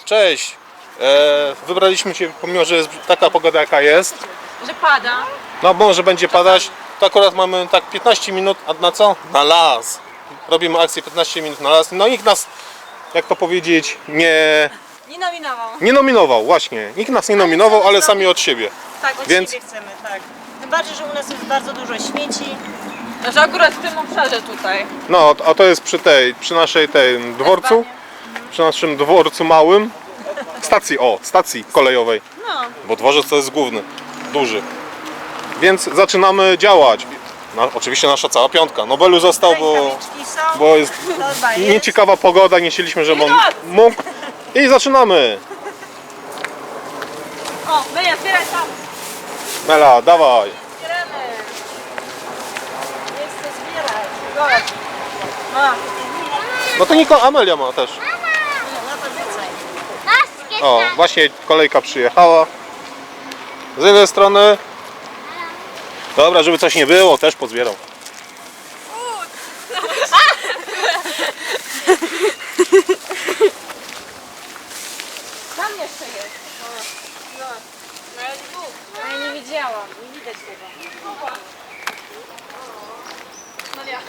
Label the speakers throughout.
Speaker 1: Cześć! Wybraliśmy Cię, pomimo że jest taka pogoda jaka jest.
Speaker 2: Że pada.
Speaker 1: No może będzie padać. To akurat mamy tak 15 minut, a na co? Na las. Robimy akcję 15 minut na las. No nikt nas, jak to powiedzieć,
Speaker 2: Nie nominował.
Speaker 1: nie nominował, właśnie. Nikt nas nie nominował, ale sami od siebie.
Speaker 3: Tak, od
Speaker 1: Więc-
Speaker 3: siebie chcemy, tak. Tym bardziej, że u nas jest bardzo dużo śmieci.
Speaker 2: Znaczy akurat w tym obszarze tutaj.
Speaker 1: No, a to jest przy naszej dworcu. Przy naszym dworcu małym. Stacji kolejowej.
Speaker 3: No,
Speaker 1: Bo dworzec to jest główny, duży. Więc zaczynamy działać. Oczywiście nasza cała piątka. Nobelu został,
Speaker 3: rękawiczki są,
Speaker 1: bo jest
Speaker 3: torba jest.
Speaker 1: nieciekawa pogoda, nie chcieliśmy, żeby on mógł. I zaczynamy.
Speaker 2: O, Meja, zbieraj tam.
Speaker 1: Mela, dawaj.
Speaker 2: Zbieramy.
Speaker 3: Nie chcę zbierać. Zobacz.
Speaker 2: Ma.
Speaker 1: No to Amelia ma też.
Speaker 3: No to rzucaj.
Speaker 1: O, właśnie kolejka przyjechała. Z jednej strony. Dobra, żeby coś nie było, też pozbierał.
Speaker 2: Tam jeszcze jest. No. No ja nie mógł.
Speaker 3: A ja nie widziałam, nie widać tego.
Speaker 2: No ja.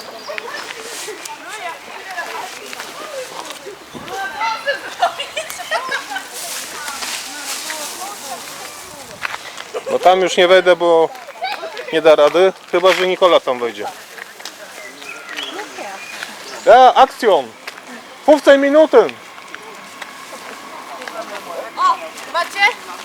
Speaker 1: No tam już nie wejdę, bo nie da rady. Chyba że Nikola tam wejdzie. Akcjon! 15 minuty!
Speaker 2: O, macie?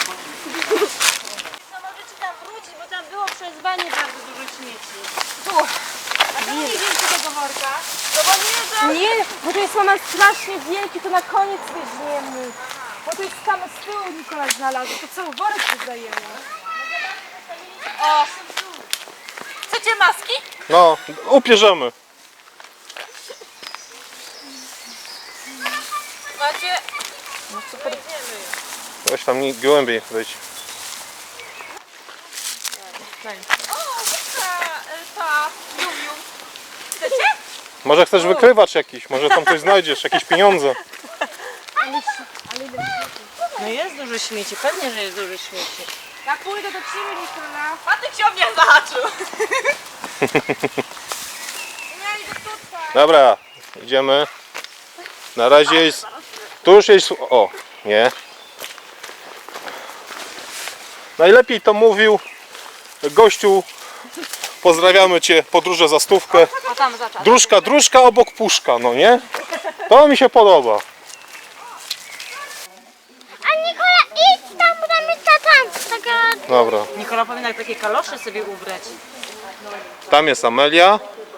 Speaker 3: No możecie tam wrócić, bo tam było przez banie bardzo dużo śmieci.
Speaker 2: Tu.
Speaker 3: A to nie widzieliście tego worka?
Speaker 2: No bo nie, że...
Speaker 4: Nie, bo to jest mama strasznie wielki, to na koniec weźmiemy. Bo to jest same z tyłu Nikola znalazł, to cały worek rozdajemy.
Speaker 2: O. Chcecie maski?
Speaker 1: No, upierzemy.
Speaker 2: Macie?
Speaker 1: Weź tam głębiej wejdź.
Speaker 2: O, ta Jumiu. Chcecie?
Speaker 1: Może chcesz wykrywacz jakiś, może tam coś znajdziesz, jakieś pieniądze.
Speaker 3: No jest dużo śmieci, pewnie, że jest dużo śmieci.
Speaker 4: Jak pójdę do ciebie, Nikola.
Speaker 2: Patyk się o mnie zahaczył.
Speaker 4: Ja idę tutaj.
Speaker 1: Dobra, idziemy. Na razie jest... Tu już jest... O, nie. Najlepiej to mówił gościu. Pozdrawiamy Cię, podróże za stówkę.
Speaker 2: A tam zaczas.
Speaker 1: Dróżka obok puszka, no nie? To mi się podoba.
Speaker 5: A Nikola, idź tam, bo tam jest tam. Taka...
Speaker 1: Dobra,
Speaker 3: Nikola powinna takie kalosze sobie ubrać.
Speaker 1: tam jest Amelia.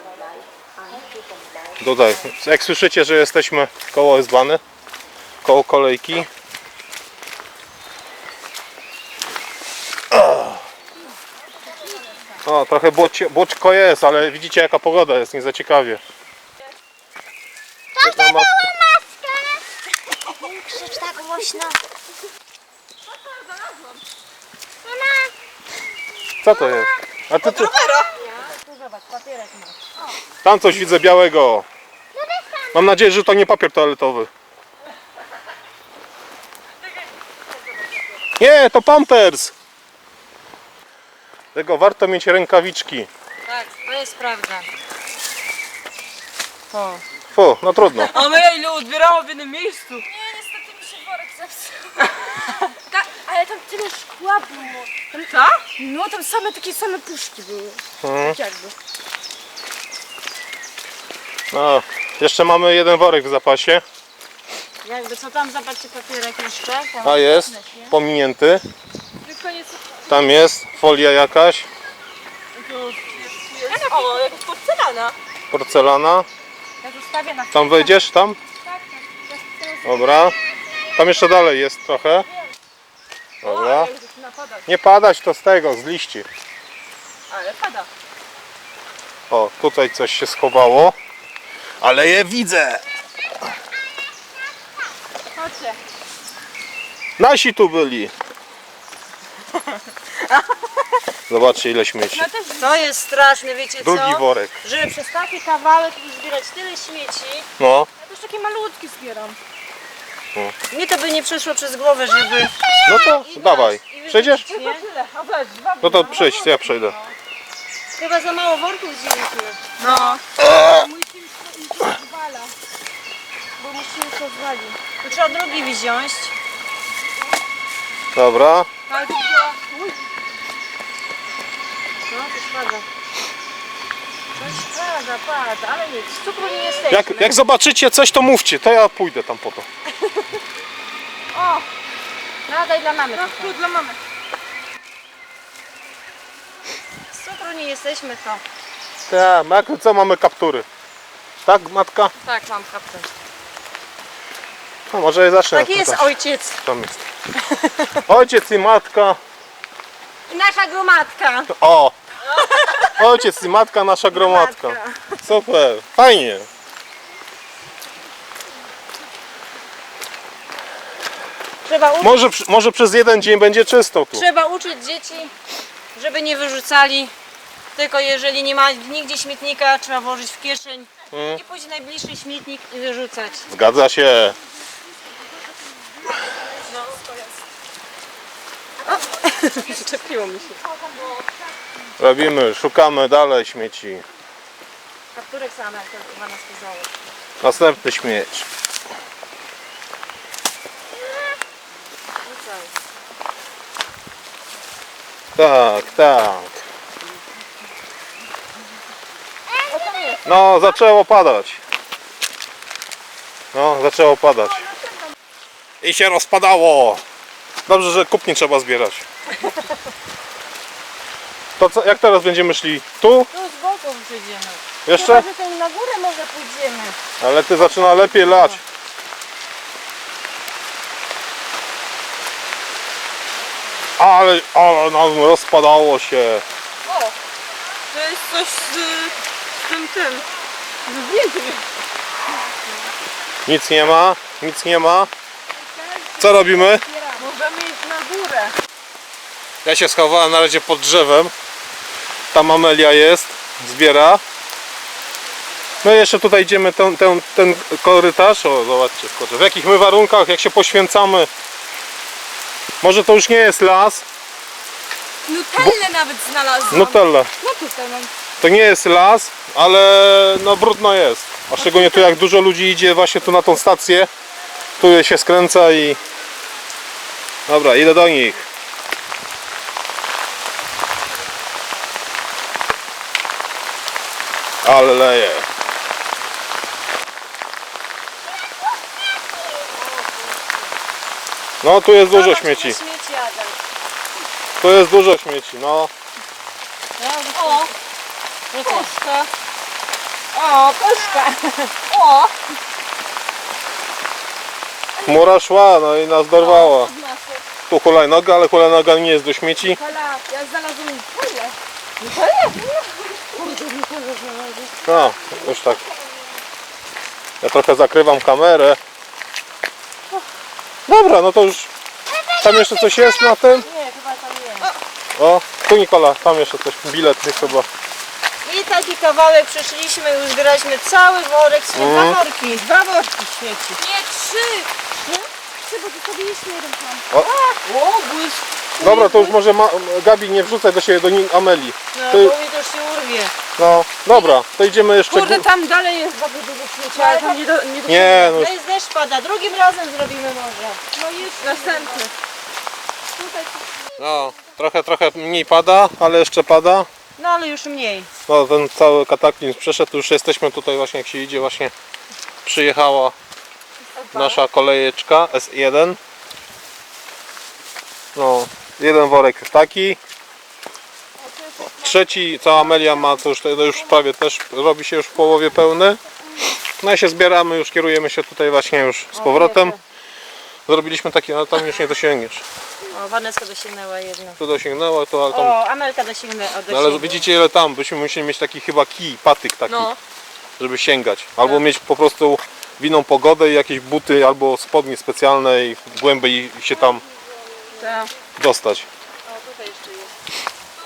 Speaker 1: Tutaj, jak słyszycie, że jesteśmy koło S-Bahny, koło kolejki. O, trochę błoczko jest, ale widzicie jaka pogoda jest, nie za ciekawie.
Speaker 5: To
Speaker 1: Na maskę.
Speaker 5: maskę. Nie krzycz tak głośno. Mama,
Speaker 1: Co to jest? A ty tu...
Speaker 3: Tu zobacz, papierek masz.
Speaker 1: Tam coś widzę białego. Mam nadzieję, że to nie papier toaletowy. Nie, to Pampers. Tego warto mieć rękawiczki.
Speaker 3: Tak, to jest prawda. O.
Speaker 1: Fu, no trudno.
Speaker 2: A my ile odbierała w jednym miejscu.
Speaker 4: Nie, niestety mi się worek zepsuł. Ale tam tyle szkła było.
Speaker 2: Co?
Speaker 4: No tam takie same puszki były. Tak jakby.
Speaker 1: No, jeszcze mamy jeden worek w zapasie.
Speaker 3: Jakby co tam, zobaczcie papierek jeszcze. Tam
Speaker 1: A jest, pominięty.
Speaker 4: Koniec.
Speaker 1: Tam jest folia jakaś,
Speaker 2: O, jakaś porcelana.
Speaker 1: porcelana.
Speaker 4: Ja zostawię na
Speaker 1: Tam wejdziesz, tam? Dobra. Tam jeszcze dalej jest trochę. Dobra. Nie padać to z tego, z liści.
Speaker 2: Ale pada.
Speaker 1: O, tutaj coś się schowało. Ale je widzę.
Speaker 2: Chodźcie.
Speaker 1: Nasi tu byli. Zobaczcie ile śmieci.
Speaker 3: To jest straszne, wiecie co?
Speaker 1: Drugi worek.
Speaker 3: Żeby przez taki kawałek zbierać tyle śmieci.
Speaker 1: No.
Speaker 4: Ja też takie malutkie zbieram.
Speaker 3: Mnie to by nie przeszło przez głowę, żeby...
Speaker 1: No to dawaj. Przejdziesz?
Speaker 4: Tylko tyle. A weź, dwa
Speaker 1: No to przyjdź, ja przejdę.
Speaker 3: Chyba za mało worków wzięliśmy.
Speaker 2: No.
Speaker 4: Musimy zwala. Bo musimy to zwalić.
Speaker 3: To trzeba drugi wziąć.
Speaker 1: Dobra.
Speaker 4: Ale to była...
Speaker 3: No, to spada.
Speaker 4: Coś pada, ale nic. Z cukru nie jesteśmy.
Speaker 1: Jak zobaczycie coś, to mówcie, to ja pójdę tam po to.
Speaker 4: O,
Speaker 3: No, daj dla mamy.
Speaker 4: no tu dla mamy.
Speaker 3: Z cukru nie jesteśmy, to.
Speaker 1: Tak, jak co mamy kaptury? Tak, matka?
Speaker 3: Tak, mam kaptę.
Speaker 1: No może ja zacznę.
Speaker 3: Tak jest,
Speaker 1: tutaj.
Speaker 3: ojciec.
Speaker 1: Tam jest. Ojciec i matka.
Speaker 3: I nasza gromadka.
Speaker 1: O! Ojciec i matka, nasza gromadka. Super, fajnie. Może przez jeden dzień będzie czysto tu.
Speaker 3: Trzeba uczyć dzieci, żeby nie wyrzucali. Tylko jeżeli nie ma nigdzie śmietnika, trzeba włożyć w kieszeń i pójść w najbliższy śmietnik i wyrzucać.
Speaker 1: Zgadza się.
Speaker 3: Zaczepiło mi się.
Speaker 1: Robimy, szukamy dalej śmieci.
Speaker 3: Kapturek same, jak to chyba nas poznało.
Speaker 1: Następny śmieć. Tak, tak. No, zaczęło padać. No, zaczęło padać. I się rozpadało. Dobrze, że kup nie trzeba zbierać. To co, jak teraz będziemy szli? Tu?
Speaker 3: Tu z boku przyjdziemy.
Speaker 1: Jeszcze?
Speaker 3: Chyba, że ten na górę może pójdziemy.
Speaker 1: Ale ty zaczyna lepiej lać. Ale nam rozpadało się.
Speaker 2: To jest coś z tym.
Speaker 1: Nic nie ma, nic nie ma. Co robimy?
Speaker 4: Możemy iść na górę.
Speaker 1: Ja się schowałem na razie pod drzewem. Tam Amelia jest, zbiera. No i jeszcze tutaj idziemy ten korytarz. O, zobaczcie, w jakich my warunkach, jak się poświęcamy. Może to już nie jest las.
Speaker 2: Nutellę nawet znalazłam.
Speaker 1: Nutella.
Speaker 2: No tutaj mam.
Speaker 1: To nie jest las, ale no brudno jest. A szczególnie tu jak dużo ludzi idzie właśnie tu na tą stację. Tu się skręca i... Dobra, idę do nich. Ale leje. No tu jest dużo śmieci.
Speaker 3: Śmieci, Adam.
Speaker 1: Tu jest dużo śmieci, no.
Speaker 3: O! Koszka.
Speaker 4: O, koszka. O,
Speaker 1: Chmura szła, no i nas dorwała. Tu hulajnoga, ale hulajnoga nie jest do śmieci.
Speaker 4: Kola, ja znalazłam Nutellę.
Speaker 1: No, już tak. Ja trochę zakrywam kamerę. Dobra, no to już. Tam jeszcze coś jest na tym?
Speaker 3: Nie, chyba tam nie.
Speaker 1: O, tu Nikola, tam jeszcze coś. Bilet jest chyba.
Speaker 3: I taki kawałek przeszliśmy, już zbieraliśmy cały worek, dwa worki.
Speaker 4: Dwa worki śmieci.
Speaker 2: Nie, 3.
Speaker 4: Ty, bo tu sobie jeszcze jeden tam.
Speaker 2: O, błysk.
Speaker 1: Dobra, to już może Gabi nie wrzucaj do siebie, do Ameli.
Speaker 3: No,
Speaker 1: Ty-
Speaker 3: bo mi to już się urwie.
Speaker 1: No, dobra, to idziemy jeszcze.
Speaker 4: Kurde, tam dalej jest bardzo dużo śmieci, ale tam nie do...
Speaker 1: Nie, no już.
Speaker 3: To jest deszcz pada, drugim razem zrobimy może.
Speaker 4: No już następny.
Speaker 1: No, trochę mniej pada, ale jeszcze pada.
Speaker 3: No ale już mniej.
Speaker 1: No, ten cały kataklizm przeszedł, już jesteśmy tutaj właśnie, jak się idzie, właśnie przyjechała nasza kolejeczka S1. No, jeden worek jest taki. Trzeci, co Amelia ma, to już prawie też robi się już w połowie pełny. No i się zbieramy, już kierujemy się tutaj właśnie już z powrotem. Zrobiliśmy taki, ale tam już nie dosięgniesz.
Speaker 3: O, Waneska dosięgnęła jedno.
Speaker 1: Tu dosięgnęła, to ale tam...
Speaker 3: O, Amelka dosięgnęła.
Speaker 1: No ale widzicie ile tam, byśmy musieli mieć taki chyba kij, patyk taki,
Speaker 3: No.
Speaker 1: żeby sięgać. Albo mieć po prostu winną pogodę i jakieś buty, albo spodnie specjalne i głębiej się tam
Speaker 3: Tak.
Speaker 1: dostać.
Speaker 3: O, tutaj jeszcze jest.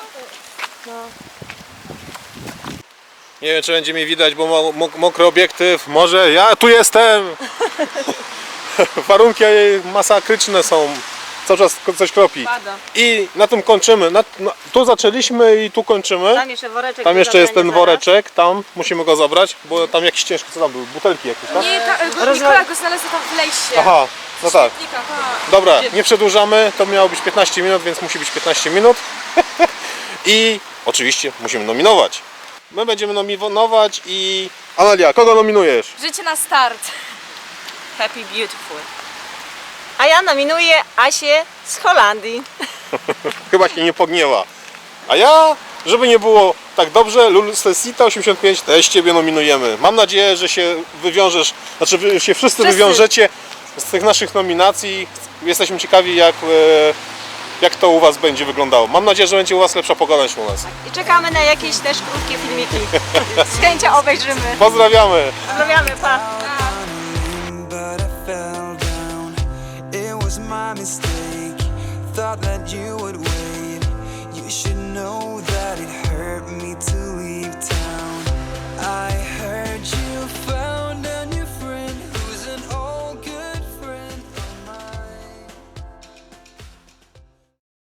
Speaker 1: Nie wiem, czy będzie mi widać, bo mokry obiektyw. Może ja tu jestem! warunki masakryczne są, cały czas coś kropi.
Speaker 3: Pada.
Speaker 1: I na tym kończymy. Tu zaczęliśmy i tu kończymy.
Speaker 3: Tam jeszcze woreczek.
Speaker 1: Tam
Speaker 3: do
Speaker 1: jeszcze jest ten
Speaker 3: zabrania
Speaker 1: woreczek, tam musimy go zabrać, bo tam jakiś ciężki, co tam były? Butelki jakieś, tak?
Speaker 4: Nie, Nikola go znalazła tam w lejsie.
Speaker 1: Aha, no tak.
Speaker 4: Śmietnika, tak.
Speaker 1: Dobra, nie przedłużamy, to miało być 15 minut, więc musi być 15 minut. I oczywiście musimy nominować. My będziemy nominować i... Amelia, kogo nominujesz?
Speaker 4: Życie na start.
Speaker 3: Happy Beautiful. A ja nominuję Asię z Holandii.
Speaker 1: Chyba się nie pogniewa. A ja, żeby nie było tak dobrze, Lulcesita 85 też Ciebie nominujemy. Mam nadzieję, że się wywiążesz, znaczy wy się wszyscy wywiążecie z tych naszych nominacji. Jesteśmy ciekawi, jak to u Was będzie wyglądało. Mam nadzieję, że będzie u Was lepsza pogoda niż u nas.
Speaker 3: I czekamy na jakieś też krótkie filmiki. Z chęcią obejrzymy.
Speaker 1: Pozdrawiamy!
Speaker 3: Pozdrawiamy, pa!
Speaker 6: but I fell down. It was my mistake. Thought that you would wait. You should know that it hurt me to leave town.